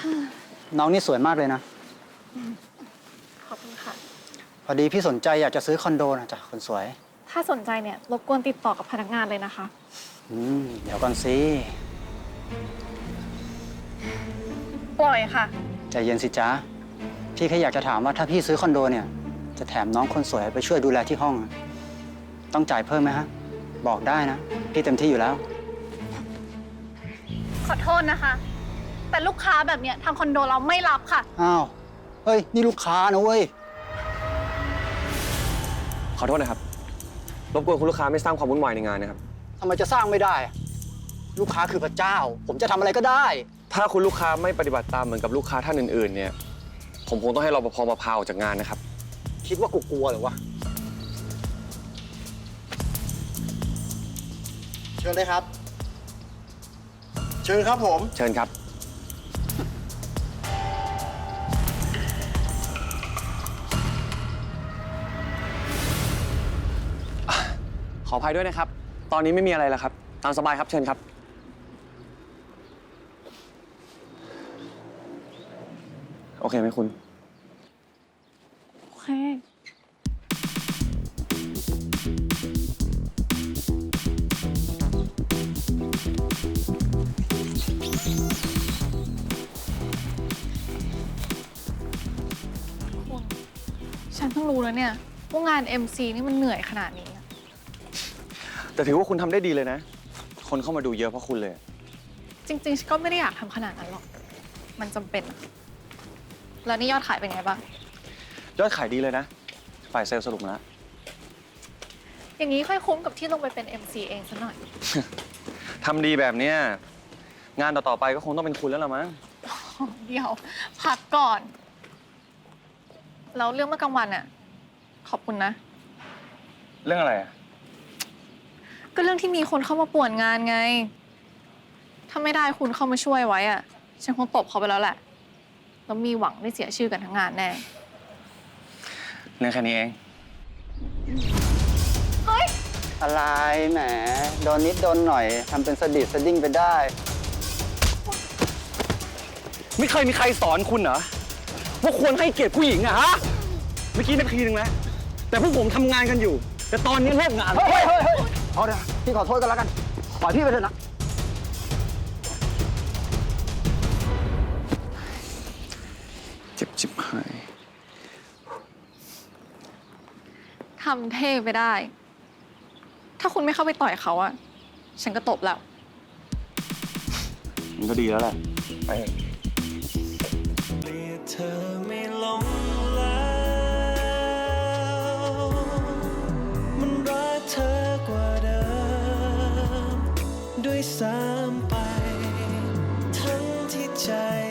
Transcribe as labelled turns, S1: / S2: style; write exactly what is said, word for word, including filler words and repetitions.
S1: น้องนี่สวยมากเลยนะ
S2: ขอบคุณค่ะ
S1: พอดีพี่สนใจอยากจะซื้อคอนโดนะจ๊ะคนสวย
S2: ถ้าสนใจเนี่ยรบกวนติดต่อกับพนักงานเลยนะคะ
S1: อืมเดี๋ยวก่อนสิ
S2: ปล่อยค่ะ
S1: ใจเย็นสิจ๊ะพี่แค่อยากจะถามว่าถ้าพี่ซื้อคอนโดเนี่ยจะแถมน้องคนสวยไปช่วยดูแลที่ห้องต้องจ่ายเพิ่มไหมฮะบอกได้นะพี่เต็มที่อยู่แล้ว
S2: ขอโทษนะคะแต่ลูกค้าแบบเนี้ยทางคอนโดเราไม่รับค่ะ
S1: อ้าวเฮ้ยนี่ลูกค้านะเว้ย
S3: ขอโทษนะครับรบกวนคุณลูกค้าไม่สร้างความวุ่นวายในงานนะครับ
S1: ทำไมจะสร้างไม่ได้ลูกค้าคือพระเจ้าผมจะทำอะไรก็ได้
S3: ถ้าคุณลูกค้าไม่ปฏิบัติตามเหมือนกับลูกค้าท่านอื่นๆเนี่ยผมคงต้องให้รปภมาพาออกจากงานนะครับ
S1: คิดว่ากูกลัวหรือวะเชิญเลยครับเชิญครับผม
S3: เชิญครับขออภัยด้วยนะครับตอนนี้ไม่มีอะไรแล้วครับตามสบายครับเชิญครับโอเคไหมคุณ
S2: โอเคฉันเพิ่งรู้แล้วเนี่ยว่างาน เอ็ม ซี นี่มันเหนื่อยขนาดนี้
S3: แต่ถือว่าคุณทำได้ดีเลยนะคนเข้ามาดูเยอะเพราะคุณเลย
S2: จริงๆฉันก็ไม่ได้อยากทำขนาดนั้นหรอกมันจำเป็นแล้วนี่ยอดขายเป็นไงบ้าง
S3: ยอดขายดีเลยนะฝ่ายเซลล์สรุปมาแล้ว
S2: อย่างนี้ค่อยคุ้มกับที่ลงไปเป็น เอ็ม ซี เองซะหน่อย
S3: ทำดีแบบเนี้ยงานต่อๆไปก็คงต้องเป็นคุณแล้วล่ะมั้ง
S2: เดี๋ยวพักก่อนแล้วเรื่องเมื่อกลางวันน่ะขอบคุณนะ
S3: เรื่องอะไรอ่ะ
S2: ก็เรื่องที่มีคนเข้ามาป่วนงานไงถ้าไม่ได้คุณเข้ามาช่วยไว้อ่ะฉันคงตบเขาไปแล้วแหละแล้วมีหวังได้เสียชื่อกันทั้งงานแน่
S3: เรื่องแค่นี้เอง
S2: เฮ้ย
S1: อะไรแหมโดนนิดโดนหน่อยทำเป็นสดิดสดิ้งไปได้
S3: ไม่เคยมีใครสอนคุณเหรอว่าควรให้เกียรติผู้หญิงอะฮะเมื่อกี้นาทีนึงแล้วแต่พวกผมทำงานกันอยู่แต่ตอนนี้เลิกงาน
S1: เฮ้ยเฮ้ยเฮ้ยเอาเดี๋ยวพี่ขอโทษกันแล้วกันปล่อยพี่ไปเถอะนะ
S3: เจ็บจิบหาย
S2: ทำเท่ไปได้ถ้าคุณไม่เข้าไปต่อยเขาอะฉันก็ตบแล้ว
S3: มันก็ดีแล้วแหละไป
S4: เธอไม่ลงแล้วมันรักเธอกว่าเดิมด้วยซ้ำไปทั้งที่ใจ